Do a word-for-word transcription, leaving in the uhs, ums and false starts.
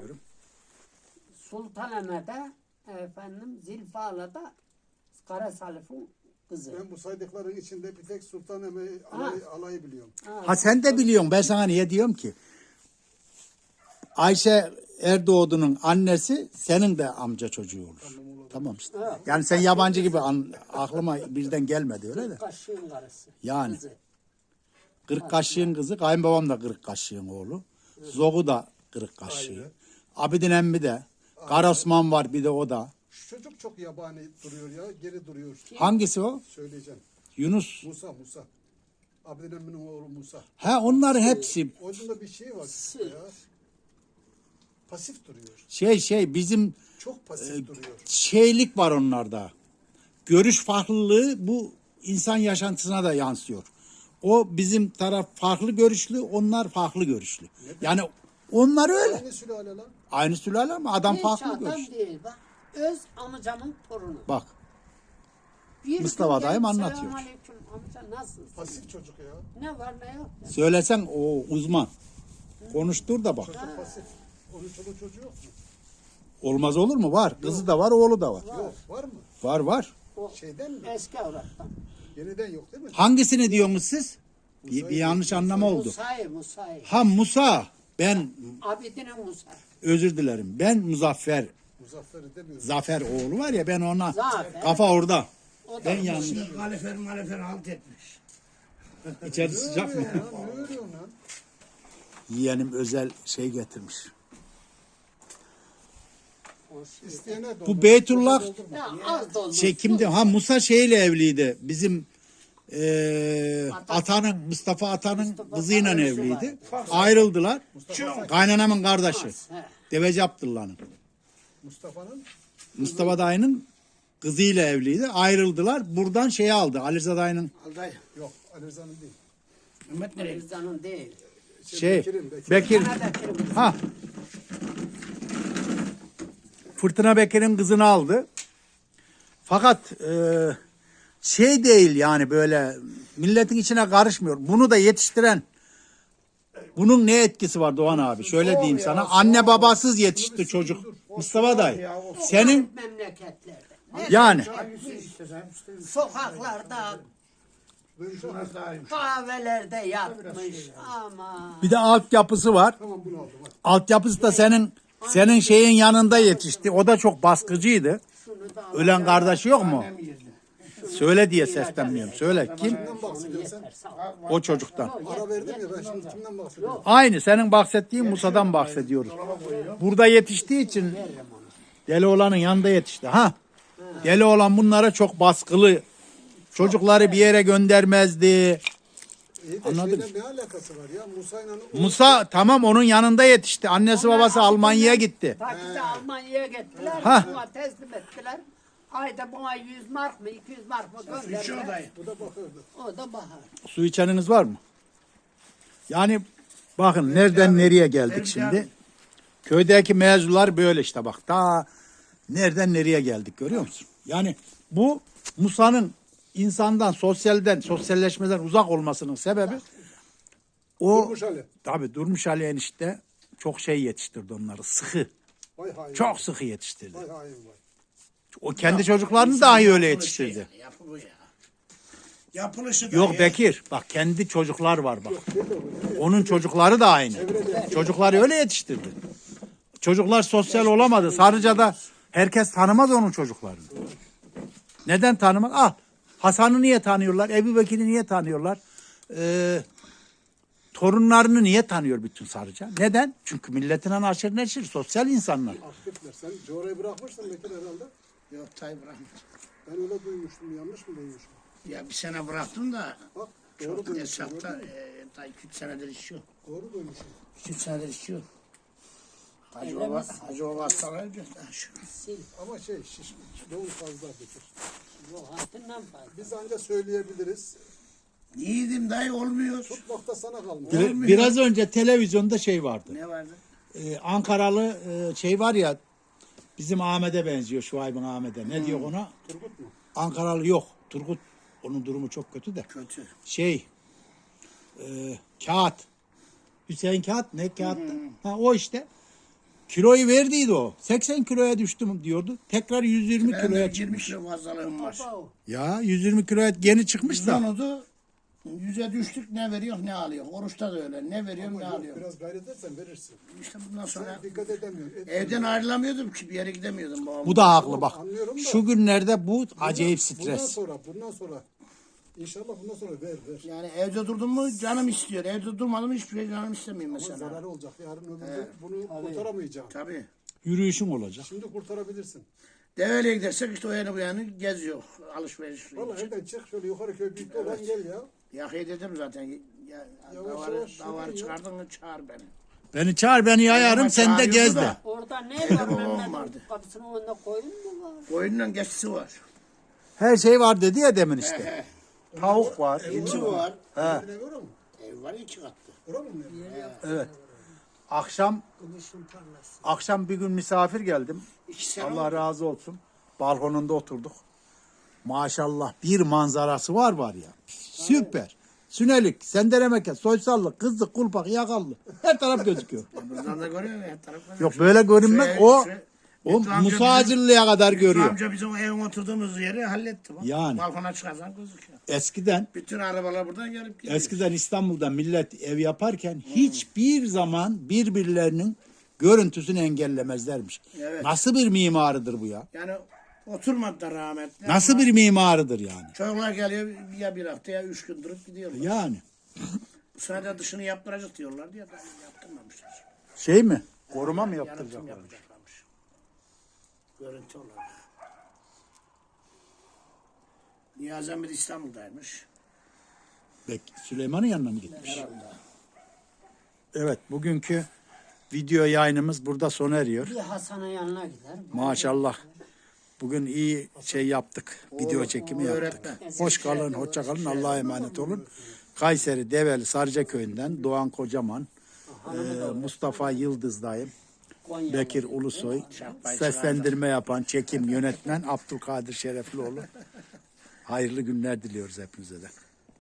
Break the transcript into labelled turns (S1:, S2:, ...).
S1: çekiyorum.
S2: Sultanahmet'e efendim Zilfala'da Kara Salif'in kızı.
S3: Ben bu saydıkların içinde bir tek Sultanahmet alayı, alayı biliyorum.
S2: Ha,
S1: Ha sen de biliyorsun. Ben sana niye diyorum ki? Ayşe Erdoğdu'nun annesi senin de amca çocuğu olur.
S3: Tamam, olur.
S1: Tamam işte.
S2: Evet.
S1: Yani sen yabancı gibi an, aklıma birden gelmedi öyle de.
S2: Kaşığın karısı.
S1: Yani.
S2: Kızı.
S1: Kırık kaşığın kızı, kayınbabam da kırık kaşığın oğlu. Zogu da kırık kaşığı. Abidin emmi de. Kara Osman var bir de o da.
S3: Şu çocuk çok yabani duruyor ya. Geri duruyor.
S1: Hangisi o?
S3: Söyleyeceğim.
S1: Yunus.
S3: Musa Musa. Abdin Emmi'nin oğlu Musa.
S1: Ha onların hepsi
S3: Orada bir şey var
S2: Sır.
S3: ya. Pasif duruyor.
S1: şey şey bizim
S3: Çok pasif duruyor.
S1: şeylik var onlarda. Görüş farklılığı bu insan yaşantısına da yansıyor. O bizim taraf farklı görüşlü, onlar farklı görüşlü. Yani onlar öyle.
S3: Aynı sülale lan.
S1: Aynı sülale ama adam
S2: Hiç
S1: farklı
S2: adam
S1: görüşlü.
S2: değil bak. Öz amcamın torunu.
S1: Bak
S2: Bir
S1: Mustafa
S2: gün
S1: dayım
S2: gelip,
S1: anlatıyor.
S2: "Selamünaleyküm amca nasılsın?
S3: Pasif çocuk ya.
S2: Ne var ne yok. ya."
S1: söylesen o uzman. Konuştur da bak.
S3: Çocuk pasif. Onun çoluğu çocuğu yok mu?
S1: Olmaz olur mu? Var. Kızı da var, oğlu da var.
S3: Yok. Var mı?
S1: Var var.
S2: O
S3: Şeyden mi?
S2: eski avrattan.
S3: Yeniden yok değil mi?
S1: Hangisini diyorsunuz siz? Bir, bir yanlış anlama oldu.
S2: Musa'yı Musa'yı.
S1: Ha Musa. Ben
S2: Abidin'in Musa.
S1: özür dilerim. Ben Muzaffer.
S3: Muzaffer'i demiyorum.
S1: Zafer oğlu var ya ben ona
S2: Zafer.
S1: kafa orada.
S2: O da
S1: Ben yanlış.
S4: Kalifer malifer halt etmiş.
S1: İçerisi sıcak mı?
S3: Ya, ne örüyorsun lan?
S1: Yeğenim özel şey getirmiş.
S2: o şey.
S3: İsteyene doldur.
S1: Bu Beytullah
S2: Ya az doldu.
S1: şey kimdi? Ha Musa şeyle evliydi. Bizim eee Atanın Mustafa Atanın
S2: Mustafa
S1: kızıyla
S2: Atan'ın kızı
S1: evliydi.
S2: var.
S1: Ayrıldılar.
S3: Mustafa,
S1: Kaynanamın kardeşi.
S2: He.
S1: Deveci Abdullah'ın.
S3: Mustafa'nın
S1: Mustafa dayının kızıyla evliydi. Ayrıldılar. Buradan şeyi aldı. Ali Rıza dayının
S4: Alday.
S3: yok. Ali Rıza'nın değil.
S4: Mehmet nereye?
S2: Rıza'nın değil.
S1: şey
S3: Bekir'in, Bekir'in.
S1: Bekir.
S2: Bana Bekir'in kızı.
S1: Ha. Fırtına Bekir'in kızını aldı. Fakat e, şey değil yani böyle milletin içine karışmıyor. Bunu da yetiştiren bunun ne etkisi var Doğan abi? Şöyle diyeyim sana. Anne babasız yetişti çocuk. Mustafa dayı. Senin
S2: Memleketlerde.
S1: yani
S2: Sokaklarda,
S4: Şurası daha yumuşak.
S2: kahvelerde yatmış ama
S1: bir de altyapısı var.
S3: Tamam bunu aldım. Bak.
S1: Altyapısı da senin senin şeyin yanında yetişti. O da çok baskıcıydı.
S2: şunu da
S1: Ölen kardeşi yok mu?
S4: Hem yerine.
S1: Söyle diye seslenmiyorum. Söyle kim?
S3: Kimden bahsediyorsun sen?
S2: yeter sağ ol.
S1: O çocuktan.
S3: Ara verdim ya ben şimdi kimden bahsediyorum?
S1: Aynı senin bahsettiğin Musa'dan bahsediyoruz. Burada yetiştiği için deli olanın yanında yetişti. Ha? Deli olan bunlara çok baskılı. Çocukları bir yere göndermezdi.
S3: İyi de
S1: Anladım.
S3: şeyle ne alakası var ya? Musa'yla o-
S1: Musa tamam onun yanında yetişti. Annesi babası Almanya'ya gitti.
S2: Taki'de Almanya'ya gittiler.
S1: Ha.
S2: Buna teslim ettiler. Ayda buna yüz mark mı iki yüz mark mı
S4: Şu
S2: gönderdiler.
S4: odayı.
S3: Bu da bakırdı.
S2: O da bahar.
S1: Su içeniniz var mı? Yani bakın nereden nereye geldik şimdi. Köydeki mevzular böyle işte bak. Daha nereden nereye geldik görüyor musun? Yani bu Musa'nın insandan, sosyalden, sosyalleşmeden uzak olmasının sebebi o
S3: Durmuş Ali.
S1: tabii Durmuş Ali enişte çok şey yetiştirdi onları. Sıkı.
S3: Vay hain.
S1: Çok sıkı yetiştirdi.
S3: Vay hain vay.
S1: O kendi çocuklarını dahi öyle yetiştirdi.
S4: Yapı bu ya. Yapılışı da
S1: Yok
S4: ya.
S1: Bekir bak kendi çocuklar var bak. Onun çocukları da aynı. Çocukları öyle yetiştirdi. Çocuklar sosyal olamadı. Sarıca'da herkes tanımaz onun çocuklarını. Neden tanımaz? Ah Hasan'ı niye tanıyorlar? Ebu Bekir'i niye tanıyorlar? Ee, torunlarını niye tanıyor bütün Sarıca? Neden? Çünkü milletine aşırı neşir, sosyal insanlar.
S3: Aktifler. Sen coğrayı bırakmışsın Bekir herhalde.
S4: Yok tay bırakmış.
S3: Ben öyle duymuştum. Yanlış mı duymuşum?
S4: Ya bir sene bıraktım da
S3: Bak doğru
S4: çok
S3: duymuşum.
S4: hesapta
S3: gördün mü?
S4: e, tay iki üç senedir içiyor.
S3: Doğru duymuşum.
S4: iki üç senedir içiyor. Hacı
S2: Öyle
S4: baba,
S2: misin?
S4: Hacı baba hastalayınca ha, şu.
S2: Sil.
S3: Ama şey şiş, doğum fazla Bekir.
S2: Bu hatından fazla.
S3: Biz anca söyleyebiliriz.
S4: Yiğidim dayı olmuyor.
S3: Tutmakta sana kalmış.
S1: Bir- biraz önce televizyonda şey vardı.
S4: Ne vardı?
S1: Ee, Ankaralı e, şey var ya bizim Ahmet'e benziyor Şuayb'ın Ahmet'e. Ne diyor ona?
S3: Turgut mu?
S1: Ankaralı yok. Turgut onun durumu çok kötü de.
S4: Kötü.
S1: Şey e, kağıt. Hüseyin Kağıt ne kağıttı? Ha o işte. Kiloyu verdiydi o. seksen kiloya düştüm diyordu. Tekrar yüz yirmi
S4: Ben
S1: kiloya
S4: de yirmi
S1: çıkmış.
S4: kilo fazlalığım var.
S2: Baba,
S1: Ya yüz yirmi kiloya yeni çıkmış da.
S4: Onu yüze düştük, ne veriyor ne alıyor. Oruçta da öyle, ne veriyorum ne
S3: Yok,
S4: alıyorum.
S3: biraz gayret etsen verirsin.
S4: İşte bundan sonra
S3: Sen dikkat edemiyorsun. Et-
S4: evden ayrılamıyordum ki, bir yere gidemiyordum babam.
S1: Bu da haklı bak.
S3: Anlıyorum da.
S1: Şu günlerde bu acayip
S3: Bundan
S1: stres.
S3: sonra, bundan sonra. İnşallah bundan sonra ver ver.
S4: Yani evde durdum mu canım istiyor. Evde durmadım mı hiçbir şey canım istemiyor
S3: Ama
S4: mesela.
S3: zararı olacak. Yarın öbür gün bunu kurtaramayacaksın.
S4: Tabii.
S1: Yürüyüşün olacak.
S3: Şimdi kurtarabilirsin.
S4: Deveyle gidersek işte o yana bu yana geziyor. Alışveriş.
S3: Valla evden çık şöyle yukarı köy büyük olan gel ya.
S4: Yakayı dedim zaten. Ya,
S3: Yavaş
S4: davarı,
S3: yavaş
S4: davarı
S3: yürü ya.
S4: çıkardın mı çağır beni.
S1: Beni çağır beni yayarım
S4: Ama
S1: sen de
S4: çağırıyordu
S1: gez de.
S4: da.
S2: orada ne
S4: Evde
S2: var
S4: babam
S2: Mehmet'in
S4: vardı.
S2: kapısının önünde koyun mu var?
S4: Koyunla geçisi var.
S1: Her şey var dedi ya demin işte. Tavuk var.
S4: Geçi var.
S1: He.
S3: Ne var mı?
S4: Ev var iki katlı.
S3: Ora mı?
S1: Evet. Akşam akşam bir gün misafir geldim.
S4: İki sene
S1: Allah
S4: oldu.
S1: razı olsun. Balkonunda oturduk. Maşallah bir manzarası var var ya. Süper. Sünelik, sendelemeke, soysallık, kızlık, kulpak, yakallı. Her taraf gözüküyor.
S4: Buradan da görüyor musun? Her taraf görüyor.
S1: Yok böyle görünmez.
S4: Şu ev-
S1: O
S4: şu ev-
S1: o
S4: Lütfü amca
S1: Musa Hacırlı'ya kadar
S4: bizim-
S1: görüyor.
S4: Amca bizim o evin oturduğumuz yeri halletti. Bak.
S1: Yani.
S4: Balkona çıkarsan gözüküyor.
S1: Eskiden
S4: Bütün arabalar buradan gelip gidiyor.
S1: eskiden İstanbul'da millet ev yaparken hiçbir zaman birbirlerinin görüntüsünü engellemezlermiş.
S4: Evet.
S1: Nasıl bir mimarıdır bu ya?
S4: Yani oturmadı da rahmetli.
S1: Nasıl
S4: ama
S1: bir mimarıdır yani?
S4: Çocuklar geliyor ya bir hafta ya üç gün durup gidiyorlar.
S1: Yani
S4: Bu sene de dışını yaptıracak diyorlar diye daha yaptırmamışlar.
S1: şey mi? Koruma mı
S4: Yaratım
S1: yaptıracaklar?
S4: yapacaklarmış. Görüntü olarak. Niyazi Emre İstanbul'daymış.
S1: Belki Süleyman'ın yanına mı gitmiş?
S4: Herhalde.
S1: Evet, bugünkü video yayınımız burada sona eriyor.
S2: Bir Hasan'ın yanına gider.
S1: Maşallah. Bugün iyi şey yaptık. Video çekimi yaptık.
S4: öğretmen.
S1: Hoş kalın, hoşça kalın. Allah'a emanet olun. Kayseri Develi Sarıca Köyü'nden Doğan Kocaman, e, Mustafa Yıldızdayım,
S2: Konya.
S1: Bekir Ulusoy, seslendirme yapan, çekim, yönetmen Abdülkadir Şereflioğlu. Hayırlı günler diliyoruz hepinize de.